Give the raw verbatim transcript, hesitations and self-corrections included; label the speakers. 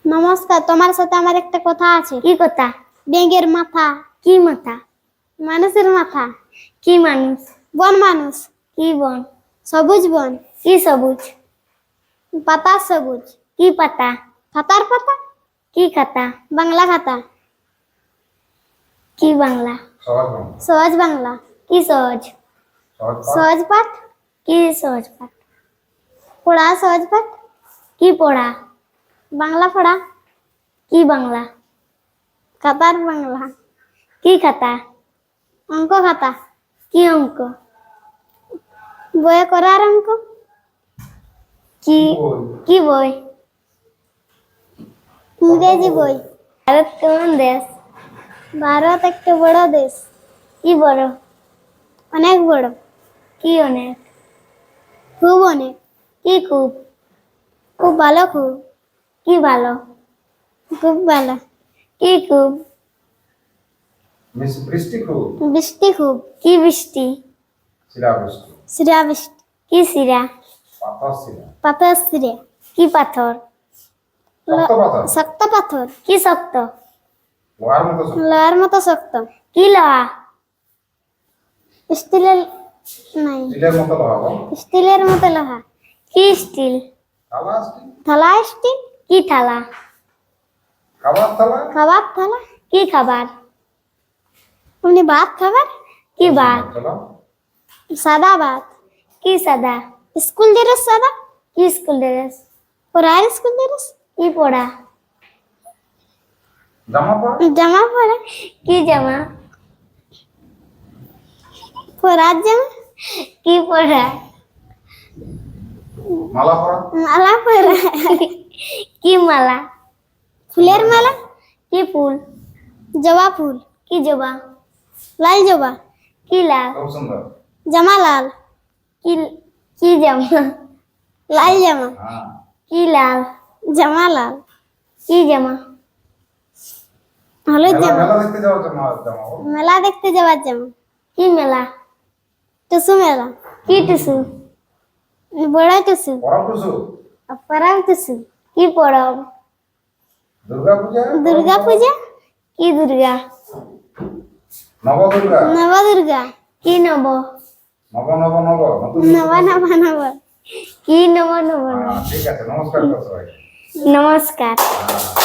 Speaker 1: নমস্কার, তোমার সাথে আমার একটা কথা আছে।
Speaker 2: কি কথা?
Speaker 1: ব্যাঙের মাথা।
Speaker 2: কি মাথা?
Speaker 1: মানুষের মাথা।
Speaker 2: কি মানুষ?
Speaker 1: বন মানুষ।
Speaker 2: কি বন?
Speaker 1: সবুজ বন।
Speaker 2: কি সবুজ?
Speaker 1: পাতা সবুজ।
Speaker 2: কি পাতা?
Speaker 1: খাতার পাতা।
Speaker 2: কি খাতা?
Speaker 1: বাংলা খাতা।
Speaker 2: কি বাংলা?
Speaker 1: সহজ বাংলা।
Speaker 2: কি সহজ?
Speaker 1: সহজ পাঠ।
Speaker 2: কি সহজ পাঠ?
Speaker 1: পড়া সহজ পাঠ।
Speaker 2: কি পড়া?
Speaker 1: বাংলা পড়া।
Speaker 2: কি বাংলা?
Speaker 1: খাতার বাংলা।
Speaker 2: কি খাতা?
Speaker 1: অঙ্ক খাতা।
Speaker 2: কি অঙ্ক?
Speaker 1: বইয়ে করার অঙ্ক।
Speaker 2: কি কি বই?
Speaker 1: ইংরেজি বই।
Speaker 2: ভারত কেমন দেশ?
Speaker 1: ভারত একটা বড় দেশ।
Speaker 2: কি বড়?
Speaker 1: অনেক বড়।
Speaker 2: কি অনেক?
Speaker 1: খুব অনেক।
Speaker 2: কি খুব?
Speaker 1: খুব ভালো। খুব
Speaker 2: কি ভালো?
Speaker 1: খুব ভালো।
Speaker 2: কি খুব?
Speaker 3: বৃষ্টি খুব।
Speaker 1: বৃষ্টি খুব।
Speaker 2: কি বৃষ্টি?
Speaker 3: শিলা বৃষ্টি।
Speaker 1: শিরা বৃষ্টি।
Speaker 2: কি শিরা?
Speaker 3: পাথর শিলা।
Speaker 1: পাথর শিরে।
Speaker 2: কি পাথর?
Speaker 3: শক্ত পাথর।
Speaker 1: শক্ত পাথর।
Speaker 2: কি শক্ত?
Speaker 3: লোহার মতো শক্ত।
Speaker 1: লোহার মতো শক্ত।
Speaker 2: কি লোহা?
Speaker 1: স্টিলের নাই।
Speaker 3: স্টিলের মতো লোহা গো।
Speaker 1: স্টিলের মতো লোহা।
Speaker 2: কি স্টিল?
Speaker 3: থালা স্টিল।
Speaker 1: থালা স্টিল।
Speaker 2: কি থালা?
Speaker 3: খাবার থালা।
Speaker 1: খাবার থালা।
Speaker 2: কি খাবার?
Speaker 1: আপনি ভাত খাবার।
Speaker 2: কি ভাত?
Speaker 3: চলো।
Speaker 1: সাদা ভাত।
Speaker 2: কি সাদা?
Speaker 1: স্কুল ড্রেস সাদা।
Speaker 2: কি স্কুল ড্রেস?
Speaker 1: পড়ার স্কুল ড্রেস।
Speaker 2: কি পড়া?
Speaker 3: জামা পরা।
Speaker 1: জামা পরা।
Speaker 2: কি জামা?
Speaker 1: পরার জামা।
Speaker 2: কি পড়া?
Speaker 3: মালা পরা।
Speaker 1: মালা পরা।
Speaker 2: কি মালা?
Speaker 1: ফুলের মালা।
Speaker 2: কি ফুল?
Speaker 1: জবা ফুল।
Speaker 2: কি জবা?
Speaker 1: লাল জবা।
Speaker 2: কি লাল?
Speaker 3: খুব সুন্দর।
Speaker 1: জামা লাল।
Speaker 2: কি কি জামা?
Speaker 1: লাল জামা।
Speaker 3: হ্যাঁ।
Speaker 2: কি লাল?
Speaker 1: জামা লাল।
Speaker 2: কি জামা?
Speaker 1: হলুদ
Speaker 3: মেলা
Speaker 1: জামা।
Speaker 3: মেলা দেখতে যাওয়ার জামা জামা গো।
Speaker 1: মেলা দেখতে যাওয়ার জামা।
Speaker 2: কি মেলা?
Speaker 1: টুসু মেলা।
Speaker 2: কি টুসু?
Speaker 1: বড় টুসু।
Speaker 3: পরব টুসু।
Speaker 1: পরাগ টুসু।
Speaker 2: কি পরব?
Speaker 3: দুর্গা পূজা।
Speaker 1: দুর্গা পূজা।
Speaker 2: কি দুর্গা?
Speaker 3: নব দুর্গা।
Speaker 1: নব দুর্গা।
Speaker 2: কি নব?
Speaker 3: নব নব নব নতুন
Speaker 1: নব নব নব।
Speaker 2: কি নব নব নব?
Speaker 3: হ্যাঁ, ঠিক আছে নমস্কার করো সবাই।
Speaker 2: নমস্কার।
Speaker 3: হ্যাঁ।